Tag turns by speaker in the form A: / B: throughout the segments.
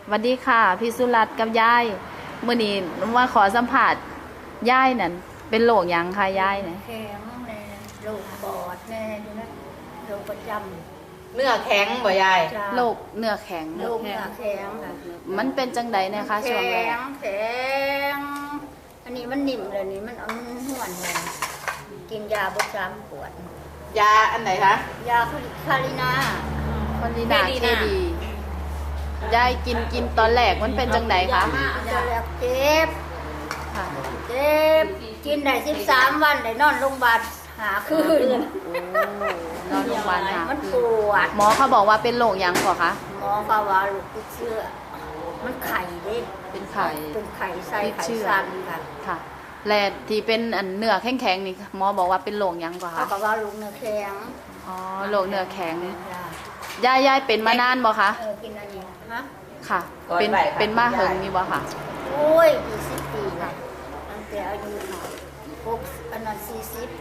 A: สวัสดีค่ะพี่สุรัตน์กับยายมื้อนี้มาขอสัมผัสยายนั่นเป็นโรคหยังค่ะยายเนี่ย
B: แข็งแน่โรคปอดแน่ดูนะโรคประจ
C: เนื้อแข็งบ่ยาย
B: ำจ้า
A: โรคเนื้อแข็ง
B: โรคหน้าแข็งค่ะ
A: มันเป็นจังใดเนี่ยคะช่วงแร
B: แข็
A: ก
B: งแข็งอันนี้มันนิ่มเลยนี่มันเอามันห่วนเลยกินยาประจำปวด
C: ยาอันไหนคะ
B: ยาคารินา
A: คนดีนาเคดียายกินตอนแรกมันเป็นจังใดคะ
B: จะแล้วเจ็บ
A: ค่ะ
B: เจ็บกินได้13 วันได้นอนโรงพยาบาลหาคืน
A: โอ้นอนโรงพยาบาลค่ะ
B: มันปวด
A: หมอเขาบอกว่าเป็นโรคหยังก่อคะ
B: หมอก็ว่าลูกติดเชื้อมันไข่เด้
A: เป็นไข้
B: เป็นไข่ไส้
A: ติด
B: ไข่
A: เชื้อ
B: สั้นค่ะ
A: ค่ะแลที่เป็นอันเนื้อแข็งๆนี่หมอบอกว่าเป็นโรคหยังก่อ
B: เขา
A: คะ
B: ก็ว่าลูกเนื้อแข็ง
A: อ๋อโรคเนื้อแข็ง
B: จ้ะ
A: ยายเป็นมานานบ่คะ
B: กินอันนี้ฮะ
A: ค่ะ เป็นมาเหิงนี่บ่ค่ะ
B: โอ้ย20 ปีนะตั้งแต่อายุ6อันนั้น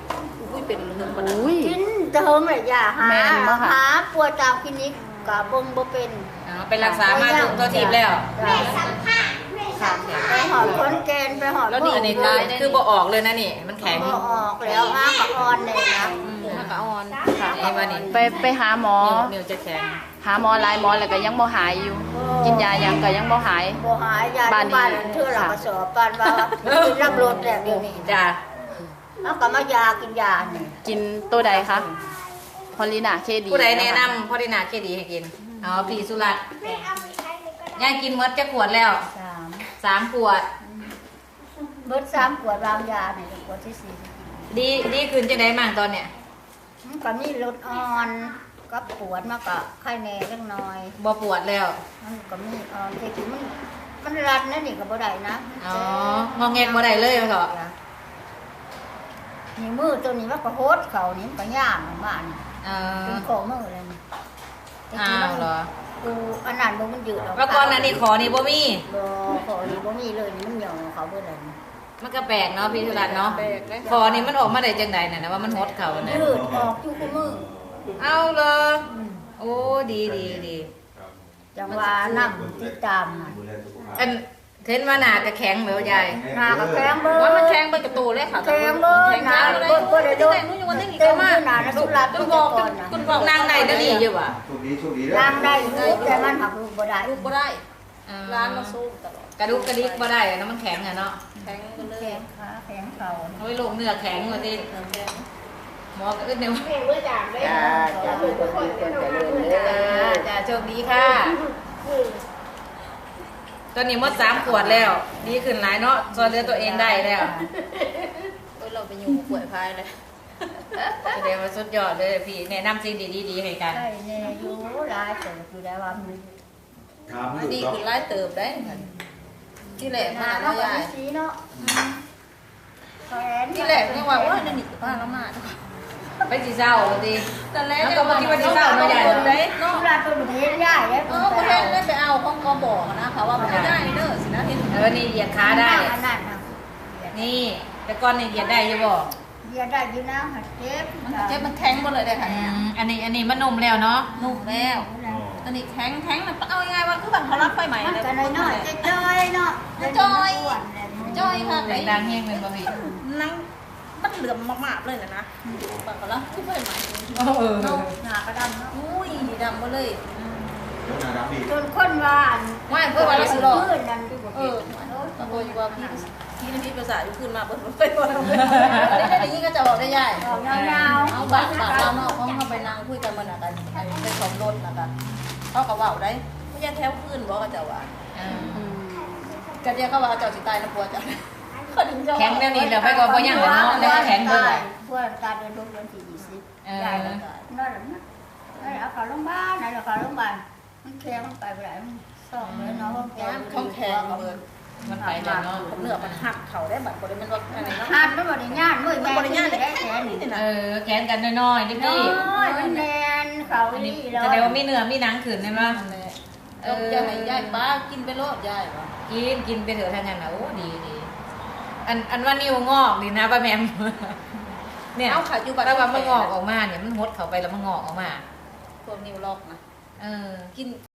B: 40
C: อุ้ยเป็นเรื่อง
A: อุ้ย
B: กินเติมเลยอย่าหา
A: แม่นบ่คะ
B: หาปวดตามคลินิกก็เบิ่งบ่เป็น
C: ไปรักษามาถึงตัวทีบแล้ว
B: ค่ะไปหอดคนแกนไปหอด
C: แล้วนี่อันนี้คือบ่ออกเลยนะนี่ มันแข็ง
B: บ่ออกแล้วอ้ากะอ่อนเลยนะ
C: มันก็อ่อน
A: ค่ะ
C: ไอ้ว่านี่
A: ไปหาหมอ
C: นิ้วจะแข็ง
A: หาหมอหลายหมอแล้วก็ยังบ่หายอยู่ กินยายังก็ยังบ่หาย
B: บ่หายยา
A: บ้านนี้
B: บ้านเทื่อละกระสอบปานว่ากินรับรสแล้วเดี๋ยวนี้
C: จ้า
B: แล้วก็มายากินยานี่
A: กินตัวใดคะพอลินาเคดี
C: ผู้ใดแนะนำพ่อได้นาเคดีให้กินอ๋อพี่สุรัตน์ยายกินหมดจะขวดแล้ว 3 ขวด
B: เบิด3 ขวดวางยานี่ขวดที่4
C: ดีขึ้นจะได้มั่งตอนเนี้ย
B: มันก็มีลดอ่อนกับปวดมากก็ไข้แน่เล็กน้อย
C: บ่ปวดแล้ว
B: มันก็มีอ่อนแต่ที่มันรัดนะนี่ก็บ่ได้นะ
C: อ๋องอแงกบ่ได้เลยว่าเถอะ
B: นี่มือตัวนี้มันก็โหดเขานี่มันก็ย่างบ้าน
C: เออ
B: เป็นของมือเลยนี่แต่
C: อ้า
B: ที่มัน
C: วเหรอ
B: กูอันนั้นบ่มันยืดออก
C: เมื่อก่อนอันนี้ขอนี่บ่มี
B: บ่ขอนี่บ่มีเลยนี่มันหย่อนเขาเบิดเลยนี่
C: มันก็แปลกเนาะพี่สุรัตน์เนาะคอนี่มันออกมาได้จังใดน่ะนะว่ามันฮดเข่าน่ะ
B: ยืดออกอยู่คู่มือ
C: เอาเลยโอ้ดี
B: จังว่าน้ำที่ตามน่ะ
C: อันเห็นว่าหน้าก็แข็งเหมือนยาย
B: หน้าก็แข็งเบิด
C: ว่ามันแข็งไปกับตัวเลยค่ะ
B: แข็งเบิดหน้าเบิดบ่ได้โดน
C: นู้นอยู่วันนี้
B: เต็ม
C: มา
B: ที่หน้านะสุรัตน์
C: คุณ
B: ทุ
C: บ
B: ก
C: อก
B: คนน่ะ
C: คุณบอกนางไหนนั่นนี่อยู่ว่ะ
D: โชคดี
B: ล้างได้อยู่แต่มันหักลูกบ่ได้
E: ลูกบ่ได้
C: อ่
E: ร้านมาสู้ตลอด
C: กระดุกกระดิกบ่ได้อะเนาะมันแข็งอะเนาะ
E: แข็งไปเลย
B: แข็งขาแข็งเข่า
C: โอ้ยโรคเนื้อแข็งเลยดิหมอก็อึดเนี่ย
B: จ้าจ้าทุกคนเจริญเด้
C: จ้าโชคดีค่ะ ตอนนี้หมด3 ขวดแล้ว ดีขึ้นหลายเนาะช่วยเหลือตัวเองได้แล้ว
E: โอ้ยเราไปอยู่ป่วยพายเลย
C: แสดงว่าสุดยอดเลยพี่แนะนำสิ่งดีๆให้กัน
B: ใช่แน่อยู่หลายเติบอยู่แล้วว่ามัน
E: ดีขึ้นไล่เติบได้ที่แหลก
B: หน้า
E: มา
B: เนาะ
E: แล้ว
B: ก็
E: ยาย
B: มีสีเนาะแขน
E: ที่แหลกยังว่าว่านี่นี่ป้าละมา
C: ไปสิเศร้าดิ
E: แต่แรก
C: แล้วก็มาคิดว่าสิเศร้าเนาะยาย
E: คนได้
B: เนาะ
E: เนาะ
B: เวลาตัวเห็นยายแล้ว
E: เออประเทศได้ไปเอาของกบอกนะคะว่าไม่ได้เด้อสินะเห็น
C: นี่เหยียดขาได้
B: อันนั้นนะ
C: นี่แต่ก่อนนี่เหยียดได้อยู่บ่
B: เหยียดได้อยู่นะหัดเจ็บ
E: มันเจ็บมันแข็งหมดเลยได้ค่ะ
C: อันนี้มันนุ่มแล้วเนาะ
E: นุ่มแล้วตอนนี้แข็งมันเอายังไงว่าคือแบบเขารับไฟใหม่
B: มัน
E: เลย
B: ก็น้อยๆจ้อยๆเนาะ
E: จ้อย
B: อ้วนเลย
E: จ้อยค่ะ
C: แรงดังเฮงเป็นบ่พี่
E: นั่งมันเหลื่อมมากๆเลยนะปากก็แล้วคือไฟใหม่
C: เออ
B: เนาะหน้ากระดำเนาะ
E: อุ้ยดำมาเลย
B: จนคนว่าอัน
E: ไม่เพื่อวันละสิรอบ
B: พื้นนั่น
E: เออตะโกนอยู่ว่าพี่น้ำพริกภาษาอยู่ขึ้นมาเปิดไปวันได้ยิ่งก็จะบอกได้ยาย
B: ออกยาวๆ
E: เอาบัตรเราเนาะเขาเข้าไปนั่งคุยกันมันกันเป็นของรถนะคะเขาก็ว่าได้ไม่ใช่แถวขึ้นบอกก็จะว่าก็เดียวเขาว่าเจ้าสิตายนะปัวจ้ะ
C: แข็งแล้วนี่เดี๋ยวไปก่อนบ่ยังเนาะแล้วแข็งเบิ่ง
B: เพื่อนการเดินทางเดือนที่20ได้แล้วก็นั่นแหละนะเอาเข้าโรงพยาบาลไหนเอาเข้าโรงพยาบาลมันแข็งมันไปบ่ได้มันซ่อมเลยเนาะ
E: ของแข็งเลย
C: มันไปแล้วเนาะ
E: เนื้อมันหักเขาได้บัตรบริมันว่าอะไรเนาะ
B: หาดมันบ่ได้ย่านมื้อแม่ได้แขนนี่
C: แขนกันน้อยๆดิ
B: น้
C: พี่
B: อยมันแน่นเขา
C: อันนี้
B: นี่แล้ว
C: แสดงว่ามีเนื้อมีหนังขืนใช่ไหม
E: จะให้ยายป้ากินไปโลดยายป่ะ
C: กินไปเถอะทางนั้นนะโอ้ดีอันว่านิ้วงอกดีนะป้าแมมเนี่ย
E: เอาขาอยู่บัตร
C: ถ้าว่ามันงอกออกมาเนี่ยมันหดเข้าไปแล้วมันงอกออกมา
E: พวกนิ้วล็อกนะ
C: เออ
E: กิน